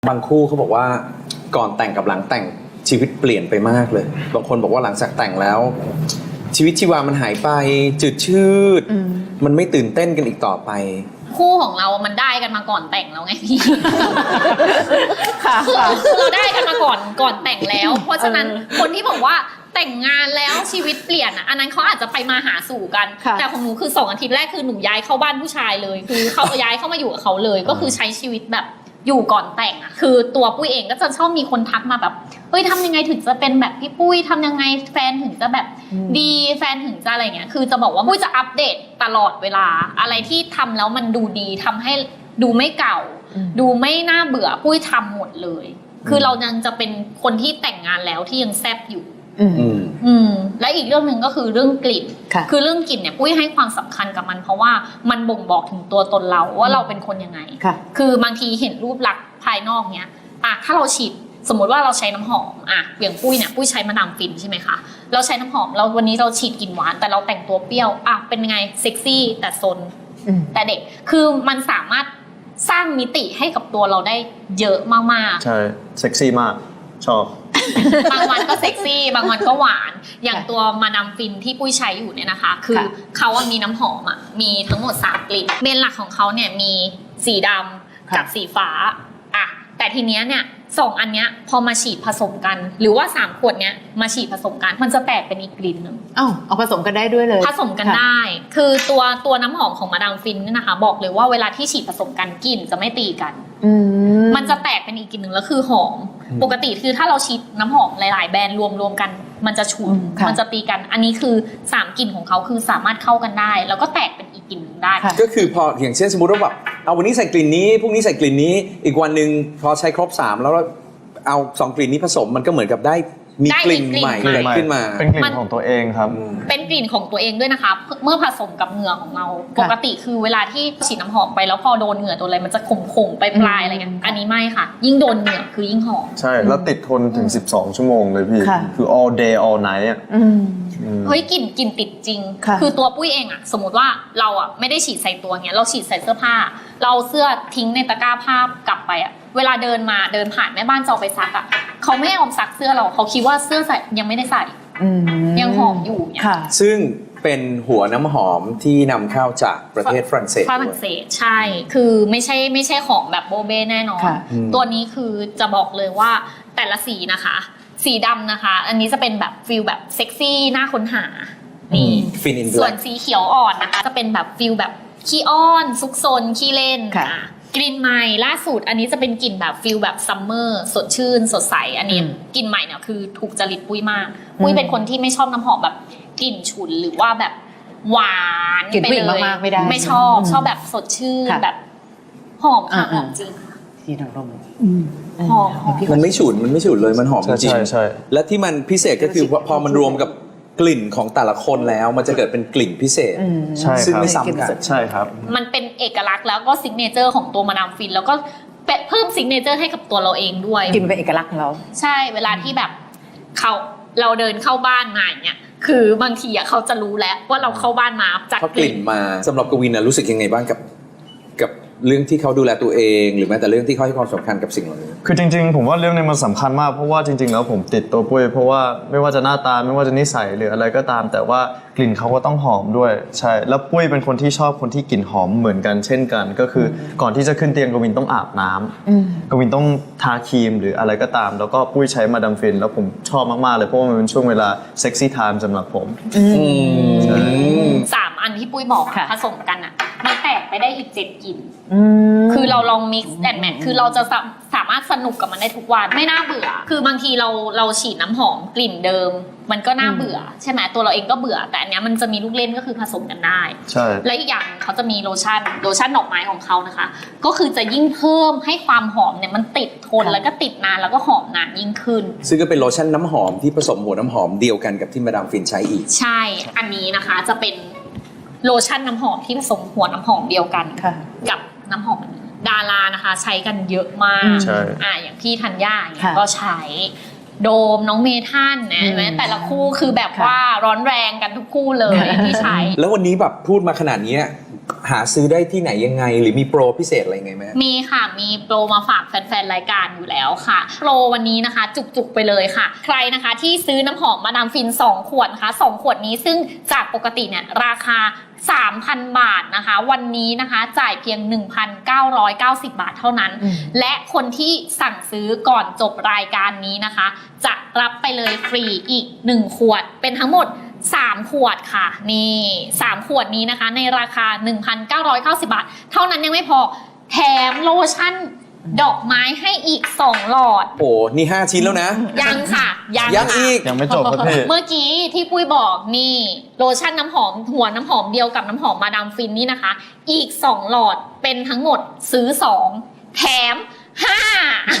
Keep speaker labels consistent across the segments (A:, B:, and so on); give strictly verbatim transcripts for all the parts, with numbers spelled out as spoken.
A: บางคู่เขาบอกว่าก่อนแต่งกับหลังแต่งชีวิตเปลี่ยนไปมากเลยบางคนบอกว่าหลังจากแต่งแล้วชีวิตชีวามันหายไปจืดชืดมันไม่ตื่นเต้นกันอีกต่อไป
B: คู่ของเรามันได้กันมาก่อนแต่งแล้วไงพี่
C: ค่ะ
B: คือเราได้กันมาก่อนก่อนแต่งแล้ว เพราะฉะนั้นคนที่บอกว่าแต่งงานแล้วชีวิตเปลี่ยนอ่ะอันนั้นเขาอาจจะไปมาหาสู่กันแต่ของหนูคือสองอาทิตย์แรกคือหนูย้ายเข้าบ้านผู้ชายเลยคือเขาย้ายเข้ามาอยู่กับเขาเลยก็คือใช้ชีวิตแบบอยู่ก่อนแต่งอ่ะคือตัวปุ้ยเองก็จะชอบมีคนทักมาแบบเฮ้ยทำยังไงถึงจะเป็นแบบพี่ปุ้ยทำยังไงแฟนถึงจะแบบดีแฟนถึงจะอะไรเงี้ยคือจะบอกว่าปุ้ยจะอัปเดตตลอดเวลาอะไรที่ทำแล้วมันดูดีทำให้ดูไม่เก่าดูไม่น่าเบื่อปุ้ยทำหมดเลยคือเรายังจะเป็นคนที่แต่งงานแล้วที่ยังแซ่บอยู่
A: อืม
B: อืมและอีกเรื่องหนึ่งก็คือเรื่องกลิ่นคือเรื่องกลิ่นเนี่ยปุ้ยให้ความสำคัญกับมันเพราะว่ามันบ่งบอกถึงตัวตนเราว่าเราเป็นคนยังไงคือบางทีเห็นรูปลักษณ์ภายนอกเนี้ยอ่ะถ้าเราฉีดสมมติว่าเราใช้น้ำหอมอ่ะอย่างปุ้ยเนี่ยปุ้ยใช้มาดามฟินใช่ไหมคะเราใช้น้ำหอมเราวันนี้เราฉีดกลิ่นหวานแต่เราแต่งตัวเปรี้ยวอ่ะเป็นไงเซ็กซี่แต่ซนแต่เด็กคือมันสามารถสร้างมิติให้กับตัวเราได้เยอะมากๆ
D: ใช่เซ็กซี่มากชอบบ
B: างวันก็เซ็กซี่บางวันก็หวานอย่างตัวมาดามฟินที่ปุ้ยใช้อยู่เนี่ยนะคะคือเขาว่ามีน้ำหอมอ่ะมีทั้งหมดสามกลิ่นเมนหลักของเขาเนี่ยมีสีดำกับสีฟ้าอ่ะแต่ทีเนี้ยเนี่ยสองอันเนี้ยพอมาฉีดผสมกันหรือว่าสามขวดเนี้ยมาฉีดผสมกันมันจะแตกเป็นอีกกลิ่นนึง
C: อ้าวเอาผสมกันได้ด้วยเลย
B: ผสมกันได้คือตัวตัวน้ำหอมของมาดามฟินเนี่ยนะคะบอกเลยว่าเวลาที่ฉีดผสมกันกลิ่นจะไม่ตีกันมันจะแตกเป็นอีกกลิ่นนึงแล้วคือหอมปกติคือถ้าเราฉีดน้ำหอมหลายๆแบรนด์รวมๆกันมันจะฉุนมันจะตีกันอันนี้คือสามกลิ่นของเขาคือสามารถเข้ากันได้แล้วก็แตกเป็นอีกกลิ่นนึงได้
A: ก็คือพออย่างเช่นสมมติว่าแบบเอาวันนี้ใส่กลิ่นนี้พรุ่งนี้ใส่กลิ่นนี้อีกวันนึงพอใช้ครบสามแล้วเอาสองกลิ่นนี้ผสมมันก็เหมือนกับได้มีกลิ่นใหม่เกิดขึ้นมา
D: เป็นกลิ่นของตัวเองครับ
B: เป็นกลิ่นของตัวเองด้วยนะคะเมื่อผสมกับเหงื่อของเราปกติคือเวลาที่ฉีดน้ำหอมไปแล้วพอโดนเหงื่อโดนอะไรมันจะขมๆไปปลายอะไรเงี้ยอันนี้ไม่ค่ะยิ่งโดนเหงื่อคือยิ่งหอม
D: ใช่แล้วติดทนถึงสิบสองชั่วโมงเลยพี่คือ all day all night อ่ะ
B: เฮ้ยกลิ่นกลิ่นติดจริงคือตัวปุ้ยเองอะสมมติว่าเราอะไม่ได้ฉีดใส่ตัวเงี้ยเราฉีดใส่เสื้อผ้าเราเสื้อทิ้งในตะกร้าผ้ากลับไปอะเวลาเดินมาเดินผ่านแม่บ้านจะเอาไปซักอะเขาไม่เอาซักเสื้อเราเขาคิดว่าเสื้อใส่ยังไม่ได้ใส่ยังหอมอยู่เนี่ย
A: ซึ่งเป็นหัวน้ำหอมที่นำเข้าจากประเทศฝรั่งเศส
B: ฝรั่งเศสใช่คือไม่ใช่ไม่ใช่ของแบบโบเบ้แน่นอนตัวนี้คือจะบอกเลยว่าแต่ละสีนะคะสีดำนะคะอันนี้จะเป็นแบบฟิลแบบเซ็กซี่น่าค้นหานี่ส่วนสีเขียวอ่อนนะคะจะเป็นแบบฟิลแบบขี้อ้อนซุกซนขี้เล่นกลิ่นใหม่ล่าสุดอันนี้จะเป็นกลิ่นแบบฟิลแบบซัมเมอร์สดชื่นสดใสอันนี้กลิ่นใหม่เนี่ยคือถูกจริตปุ้ยมากปุ้ยเป็นคนที่ไม่ชอบน้ำหอมแบบกลิ่นฉุนหรือว่าแบบหวาน
C: ไปเลย
B: ไม่ได้ไม่ชอบชอบแบบสดชื่นแบบหอมค่ะหอมจริง
C: ที่ดอกลม
B: หอม
A: มันไม่ฉุนมันไม่ฉุนเลยมันหอมจริง
D: ใช่
A: และที่มันพิเศษก็คือพอมันรวมกับกลิ่นของแต่ละคนแล้วมันจะเกิดเป็นกลิ่นพิเศษซึ่งไม่ซ้ำกัน
D: ใช่ครับ
B: มันเป็นเอกลักษณ์แล้วก็ซิกเนเจอร์ของตัวมาดามฟินแล้วก็เพิ่มซิกเนเจอร์ให้กับตัวเราเองด้วย
C: กลิ่นเป็นเอกลักษณ์ของเรา
B: ใช่เวลาที่แบบเขาเราเดินเข้าบ้านมาเนี่ยคือบางทีอ่ะเขาจะรู้แล้วว่าเราเข้าบ้านมาจาก
A: กลิ่นมาสำหรับกวินนะรู้สึกยังไงบ้างกับกับเรื่องที่เขาดูแลตัวเองหรือแม้แต่เรื่องที่เขาให้ความสำคัญกับสิ่งเหล่านี้
D: คือจริงๆผมว่าเรื่องนี้มันสำคัญมากเพราะว่าจริงๆแล้วผมติดตัวปุ้ยเพราะว่าไม่ว่าจะหน้าตาไม่ว่าจะนิสัยหรืออะไรก็ตามแต่ว่ากลิ่นเขาก็ต้องหอมด้วยใช่แล้วปุ้ยเป็นคนที่ชอบคนที่กลิ่นหอมเหมือนกันเช่นกันก็คือก่อนที่จะขึ้นเตียงกวินต้องอาบน้ำกวินต้องทาครีมหรืออะไรก็ตามแล้วก็ปุ้ยใช้มาดามฟินแล้วผมชอบมากๆเลยเพราะว่ามันเป็นช่วงเวลาเซ็กซี่ไทม์สำหรับผม
B: สามอันที่ปุ้ยบอกผสมกันอ่ะมันแตกไปได้อีกเจ็ดกลิ่นคือเราลอง mix and match คือเราจะสามารถสนุกกับมันได้ทุกวันไม่น่าเบื่อคือบางทีเราเราฉีดน้ำหอมกลิ่นเดิมมันก็น่าเบื่อใช่ไหมตัวเราเองก็เบื่อแต่อันเนี้ยมันจะมีลูกเล่นก็คือผสมกันได้
D: ใช่
B: และอีกอย่างเขาจะมีโลชั่นโลชั่นดอกไม้ของเขานะคะก็คือจะยิ่งเพิ่มให้ความหอมเนี่ยมันติดทนแล้วก็ติดนานแล้วก็หอมนานยิ่งขึ้น
A: ซึ่งก็เป็นโลชั่นน้ำหอมที่ผสมหัวน้ำหอมเดียวกันกับที่มาดามฟินใช้อีก
B: ใช่อันนี้นะคะจะเป็นโลชั่นน้ำหอมที่ผสมหัวน้ำหอมเดียวกันกับน้ำหอมดารานะคะใช้กันเยอะมากอ่าอย่างพี่ธัญญาเนี่ยก็ใช้โดมน้องเมทันนะแม้แต่ละคู่คือแบบว่าร้อนแรงกันทุกคู่เลยที่ใช้
A: แล้ววันนี้แบบพูดมาขนาดนี้หาซื้อได้ที่ไหนยังไงหรือมีโปรพิเศษอะไรไงไหม
B: มีค่ะมีโปรมาฝากแฟนๆรายการอยู่แล้วค่ะโปรวันนี้นะคะจุกๆไปเลยค่ะใครนะคะที่ซื้อน้ำหอมมาดามฟินสองขวดนะคะสองขวดนี้ซึ่งจากปกติเนี่ยราคา สามพัน บาทนะคะวันนี้นะคะจ่ายเพียง หนึ่งพันเก้าร้อยเก้าสิบ บาทเท่านั้น
C: อืม
B: และคนที่สั่งซื้อก่อนจบรายการนี้นะคะจะรับไปเลยฟรีอีกหนึ่งขวดเป็นทั้งหมดสามขวดค่ะนี่สามขวดนี้นะคะในราคา หนึ่งพันเก้าร้อยเก้าสิบ บาทเท่านั้นยังไม่พอแถมโลชั่นดอกไม้ให้อีกสองหลอด
A: โอ้นี่ห้าชิ้นแล้วนะ
B: ยังค่ะยัง
A: ยัง
B: ค่ะ
A: อีก
D: ยังไม่จบครับพี่
B: เมื่อกี้ที่ปุ้ยบอกนี่โลชั่นน้ำหอมหัวน้ำหอมเดียวกับน้ำหอมมาดามฟินนี่นะคะ อีกสองหลอดเป็นทั้งหมดซื้อสองแถมห้าร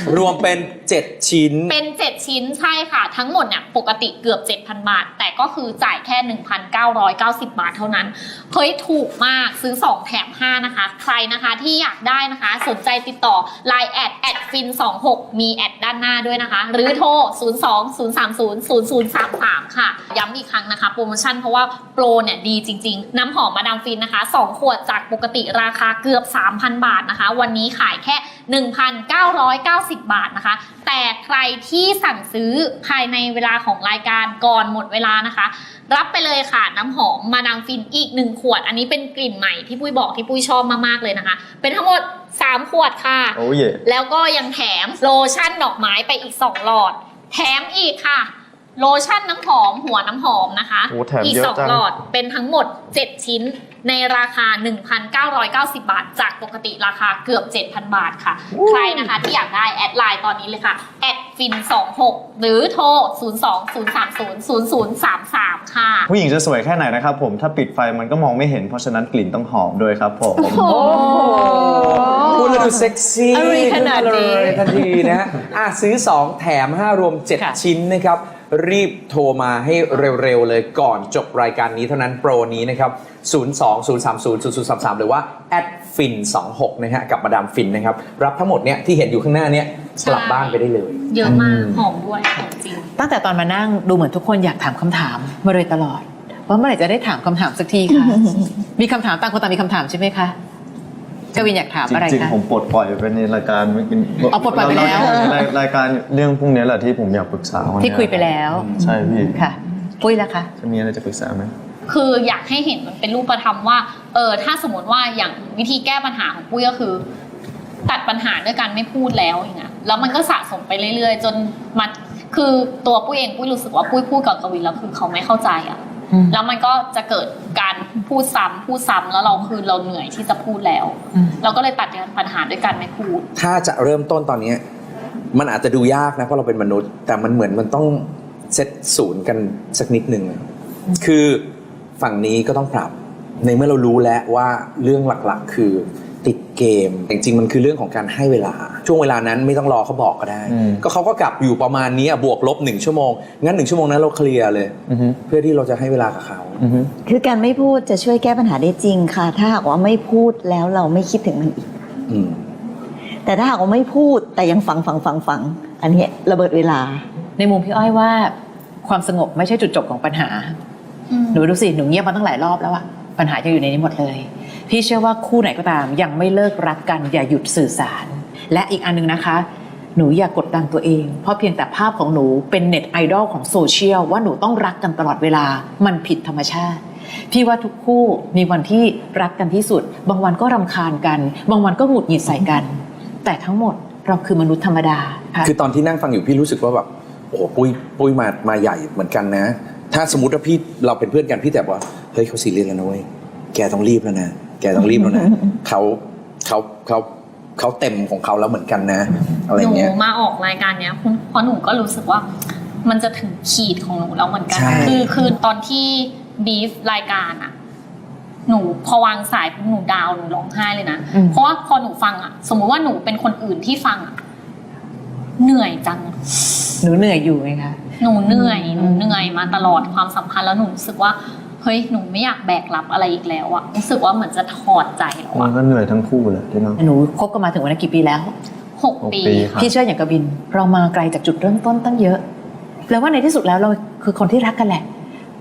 A: วมเป็นเจ็ดชิ้น
B: เป็นเจ็ดชิ้นใช่ค่ะ ทั้งหมดเนี่ยปกติเกือบ เจ็ดพัน บาท แต่ก็คือจ่ายแค่ หนึ่งพันเก้าร้อยเก้าสิบ บาทเท่านั้นเฮ้ยถูกมากซื้อสองแถมห้านะคะใครนะคะที่อยากได้นะคะสนใจติดต่อ ไลน์ แอดแอดฟินสองหกมีแอดด้านหน้าด้วยนะคะ หรือโทร ศูนย์ สอง ศูนย์ สาม ศูนย์ ศูนย์ ศูนย์ สาม สาม ค่ะย้ำอีกครั้งนะคะโปรโมชั่นเพราะว่าโปรเนี่ยดีจริงๆน้ำหอมมาดามฟินนะคะสองขวดจากปกติราคาเกือบ สามพัน บาทนะคะวันนี้ขายแค่ หนึ่งพันเก้าร้อยเก้าสิบ บาทนะคะแต่ใครที่สั่งซื้อภายในเวลาของรายการก่อนหมดเวลานะคะรับไปเลยค่ะน้ำหอมมาดามฟินอีกหนึ่งขวดอันนี้เป็นกลิ่นใหม่ที่ปุ้ยบอกที่ปุ้ยชอบมากๆเลยนะคะเป็นทั้งหมดสามขวดค่ะ
D: โอ้เย่
B: แล้วก็ยังแถมโลชั่นดอกไม้ไปอีกสองหลอดแถมอีกค่ะโลชั่นน้ำหอมหัวน้ำหอมนะคะ
D: โอ้แถม
B: อีก
D: เยอะ
B: สอง
D: จัง
B: หลอดเป็นทั้งหมดเจ็ดชิ้นในราคา หนึ่งพันเก้าร้อยเก้าสิบ บาทจากปกติราคาเกือบ เจ็ดพัน บาทค่ะใครนะคะที่อยากได้แอดไลน์ตอนนี้เลยค่ะแอดฟินสองหกหรือโทร ศูนย์ สอง ศูนย์ สาม ศูนย์ ศูนย์ ศูนย์ สาม สาม ค่ะ
D: ผู้หญิงจะสวยแค่ไหนนะครับผมถ้าปิดไฟมันก็มองไม่เห็นเพราะฉะนั้นกลิ่นต้องหอมด้วยครับผม
A: พูดแล้วดูเซ็กซี่
C: อะไรขนาดนี้
A: เลยทันทีนะฮะอ่ะซื้อสองแถมห้ารวมเจ็ด
C: ค่ะ
A: ชิ้นนะครับรีบโทรมาให้เร็วๆเลยก่อนจบรายการนี้เท่านั้นโปรนี้นะครับ ศูนย์ สอง ศูนย์ สาม ศูนย์ ศูนย์ ศูนย์ สาม สาม หรือว่าแอดฟินสองหกนะฮะกับมาดามฟินนะครับรับทั้งหมดเนี้ยที่เห็นอยู่ข้างหน้าเนี้ย
B: ใช่
A: กลับบ้านไปได้เลย
B: เยอะมากหอมด้วยหอมจริง
C: ตั้งแต่ตอนมานั่งดูเหมือนทุกคนอยากถามคำถามมาเลยตลอดว่าเมื่อไหร่จะได้ถามคำถามสักทีคะมีคำถามต่างคนต่างมีคำถามใช่ไหมคะกวินอยากถามอะไร
D: จริง
C: คะ
D: ๆผมปลดปล่อยไปในรายการ
C: เอาปลดปล่อยไปแล้ว
D: รายรายการเรื่องพวกนี้แหละที่ผมอยากปรึกษาวันนี้
C: ที่คุยไปแล้ว
D: ใช่พี่
C: ค่ะปุ้ยล่ะคะ
D: จะมีอะไรจะปรึกษาไหม
B: คืออยากให้เห็นมันเป็นรูปธรรมว่าเออถ้าสมมติว่าอย่างวิธีแก้ปัญหาของปุ้ยก็คือ ตัดปัญหาด้วยการไม่พูดแล้วอย่างเงี้ยแล้วมันก็สะสมไปเรื่อยๆ จนมาคือตัวปุ้ยเองปุ้ยรู้สึกว่าปุ้ยพูดกับกวินแล้วคือเขาไม่เข้าใจอ่ะ
C: อืม
B: แล้วมันก็จะเกิดการพูดซ้ำพูดซ้ำแล้วเราคือเราเหนื่อยที่จะพูดแล้ว
C: อืม
B: เราก็เลยตัดปัญหาด้วยการไม่พูด
A: ถ้าจะเริ่มต้นตอนเนี้ยมันอาจจะดูยากนะเพราะเราเป็นมนุษย์ แต่มันเหมือนมันต้องเซตศูนย์กันสักนิดหนึ่งคือฝั่งนี้ก็ต้องปรับในเมื่อเรารู้แล้วว่าเรื่องหลักๆ คือติดเกมแต่จริงๆมันคือเรื่องของการให้เวลาช่วงเวลานั้นไม่ต้องรอเขาบอกก็ได้
D: อืม
A: ก็เขาก็กลับอยู่ประมาณนี้อะบวกลบหนึ่งชั่วโมงงั้นหนึ่งชั่วโมงนั้นเราเคลียร์เลย
D: อือฮึ
A: เพื่อที่เราจะให้เวลากับเขา
D: อือฮึ
E: คือการไม่พูดจะช่วยแก้ปัญหาได้จริงค่ะ ถ้าหากว่าไม่พูดแล้วเราไม่คิดถึงมันอีก
A: อืม
E: แต่ถ้าหากว่าไม่พูดแต่ยังฟังฟังฟังฟังอันนี้ระเบิดเวลา
C: ในมุมพี่อ้อยว่าความสงบไม่ใช่จุดจบของปัญหา หนูดูสิ หนูเงียบมาตั้งหลายรอบแล้วอะปัญหายังอยู่ในนี้หมดเลย พี่เชื่อว่าคู่ไหนก็ตามยังไม่เลิกรักกันอย่าหยุดสื่อสาร และอีกอันนึงนะคะ หนูอย่ากดดันตัวเอง เพราะเพียงแต่ภาพของหนูเป็นเน็ตไอดอลของโซเชียลว่าหนูต้องรักกันตลอดเวลา มันผิดธรรมชาติ พี่ว่าทุกคู่มีวันที่รักกันที่สุด บางวันก็รำคาญกัน บางวันก็หงุดหงิดใส่กัน แต่ทั้งหมดเราคือมนุษย์ธรรมดาค่ะ
A: คือตอนที่นั่งฟังอยู่พี่รู้สึกว่าแบบโอ้โหปุ้ยปุ้ยมามาใหญ่เหมือนกันนะ ถ้าสมมติว่าพี่เราเป็นเพื่อนกันพี่แต่ว่าเฮ้ยเขาซีเรียสแล้วนะเว้ยแกต้องรีบแล้วนะแกต้องรีบแล้วนะ เขาเขาเขาเขาเต็มของเขาแล้วเหมือนกันนะอะไร
B: หนู
A: เงี้ย
B: มาออกรายการเนี้ยเพราะหนูก็รู้สึกว่ามันจะถึงขีดของหนูแล้วเหมือนกัน
A: ใช่
B: คือคือตอนที่บีฟรายการอะหนูพอวางสายปุ๊บหนูดาวน์หนูร้องไห้เลยนะ
C: อืม
B: เพราะว่าพอหนูฟังอะสมมุติว่าหนูเป็นคนอื่นที่ฟังอะเหนื่อยจัง
C: หนูเหนื่อยอยู่ไงคะ
B: หนูเหนื่อยหนูเหนื่อยมาตลอดความสัมพันธ์แล้วหนูรู้สึกว่าเฮ้ยหนูไม่อยากแบกรับอะไรอีกแล้วอะรู้สึกว่าเหมือนจะถอดใจแล้ว
D: มั
B: อะ
D: นก็เหนื่อยทั้งคู่แหละที่น้อง
C: หนูคบกันมาถึงวันนี้กี่ปีแล้ว
B: หก
D: หก
B: ปี
D: ปีครับ
C: พี่เชื่ออย่างกบินเรามาไกลจากจุดเริ่มต้นตั้งเยอะแปลว่าในที่สุดแล้วเราคือคนที่รักกันแหละ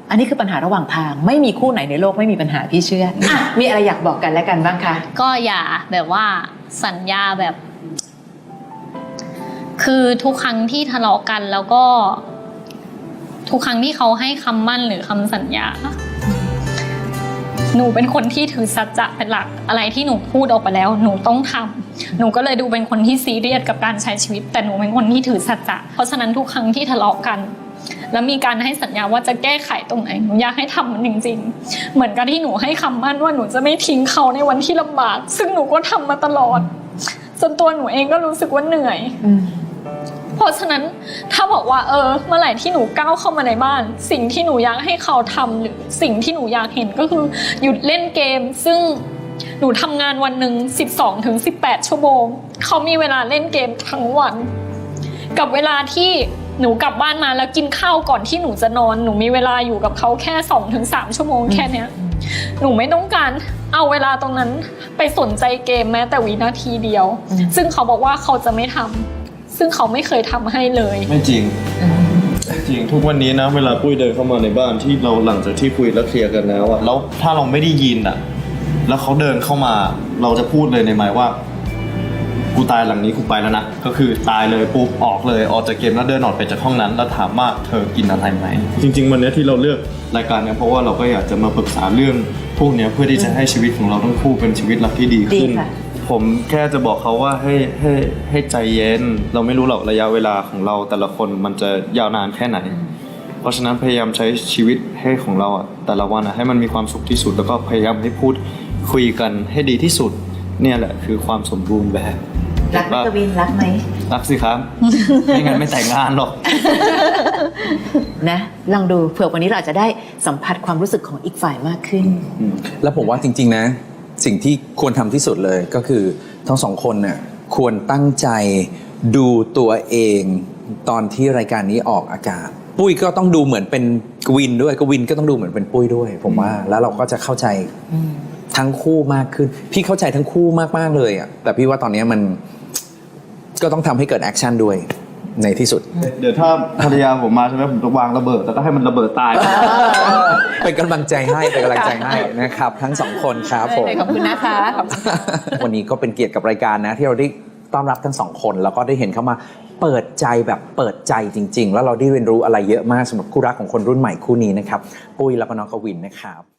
C: อันนี้คือปัญหาระหว่างทางไม่มีคู่ไหนในโลกไม่มีปัญหาพี่เชื่ออ่ะมีอะไรอยากบอกกันและกันบ้างคะ
B: ก็อย่าแบบว่าสัญญาแบบ คือทุกครั้งที่ทะเลาะกันแล้วก็ ทุกครั้งที่เขาให้คำมั่นหรือคำสัญญา หนูเป็นคนที่ถือสัจจะเป็นหลักอะไรที่หนูพูดออกไปแล้ว หนูต้องทำหนูก็เลยดูเป็นคนที่ซีเรียสกับการใช้ชีวิต แต่หนูเป็นคนที่ถือสัจจะเพราะฉะนั้นทุกครั้งที่ทะเลาะกัน แล้วมีการให้สัญญาว่าจะแก้ไขตรงไหนหนูอยากให้ทำมันจริงๆเหมือนกับที่หนูให้คำมั่นว่าหนูจะไม่ทิ้งเขาในวันที่ลำบากซึ่งหนูก็ทำมาตลอดจนตัวหนูเองก็รู้สึกว่าเหนื่อยเพราะฉะนั้นถ้าบอกว่าเออเมื่อไหร่ที่หนูก้าวเข้ามาในบ้านสิ่งที่หนูอยากให้เขาทำหรือสิ่งที่หนูอยากเห็นก็คือหยุดเล่นเกมซึ่งหนูทำงานวันหนึ่ง สิบสองถึงสิบแปด ชั่วโมงเขามีเวลาเล่นเกมทั้งวันกับเวลาที่หนูกลับบ้านมาแล้วกินข้าวก่อนที่หนูจะนอนหนูมีเวลาอยู่กับเขาแค่ สองถึงสาม ชั่วโมงแค่เนี้ยหนูไม่ต้องการเอาเวลาตรงนั้นไปสนใจเกมแม้แต่วินาทีเดียวซึ่งเขาบอกว่าเขาจะไม่ทำซึ่งเขาไม่เคยทำให้เลย
D: ไม่จริงจริงทุกวันนี้นะเวลาปุ้ยเดินเข้ามาในบ้านที่เราหลังจากที่คุยแล้วเคลียร์กันแล้วอะแล้วถ้าเราไม่ได้ยินอะแล้วเขาเดินเข้ามาเราจะพูดเลยในหมายว่ากูตายหลังนี้กูไปแล้วนะก็คือตายเลยปุ๊บออกเลยออกจากเกมแล้วเดินออกไปจากห้องนั้นแล้วถามว่าเธอกินอะไรไหมจริงๆวันนี้ที่เราเลือกรายการเนี่ยเพราะว่าเราก็อยากจะมาปรึกษาเรื่องพวกนี้เพื่อที่จะให้ชีวิตของเราทั้งคู่เป็นชีวิตรักที่ดีขึ้นผมแค่จะบอกเขาว่าให้ให้ให้ใจเย็นเราไม่รู้หรอกระยะเวลาของเราแต่ละคนมันจะยาวนานแค่ไหนเพราะฉะนั้นพยายามใช้ชีวิตให้ของเราอ่ะแต่ละวันอ่ะให้มันมีความสุขที่สุดแล้วก็พยายามให้พูดคุยกันให้ดีที่สุดเนี่ยแหละคือความสมบูรณ์แบบ
C: รักไหมกวินรักไหม
D: รักสิครับ ไม่งั้นไม่แต่งงานหรอก
C: นะลองดูเผื่อวันนี้เราอาจจะได้สัมผัสความรู้สึกของอีกฝ่ายมากขึ้น
A: แล้วผมว่าจริงๆนะสิ่งที่ควรทำที่สุดเลยก็คือทั้งสองคนน่ะควรตั้งใจดูตัวเองตอนที่รายการนี้ออกอากาศปุ้ยก็ต้องดูเหมือนเป็นกวินด้วยกวินก็ต้องดูเหมือนเป็นปุ้ยด้วยผมว่าแล้วเราก็จะเข้าใจทั้งคู่มากขึ้นพี่เข้าใจทั้งคู่มากๆเลยอ่ะแต่พี่ว่าตอนนี้มันก็ต้องทำให้เกิดแอคชั่นด้วยในที่สุด
D: เดี๋ยวถ้าภรรยาผมมาใช่ไหมผมจะวางระเบิดแต่ก็ให้มันระเบิดตาย
A: เป็นกำลังใจให้เป็นกำลังใจให้นะครับทั้งสองคนครับผม
C: ขอบคุณนะคะ
A: วันนี้ก็เป็นเกียรติกับรายการนะที่เราได้ต้อนรับทั้งสองคนแล้วก็ได้เห็นเข้ามาเปิดใจแบบเปิดใจจริงๆแล้วเราได้เรียนรู้อะไรเยอะมากสำหรับคู่รักของคนรุ่นใหม่คู่นี้นะครับปุ้ยแล้วก็น้องกวินนะครับ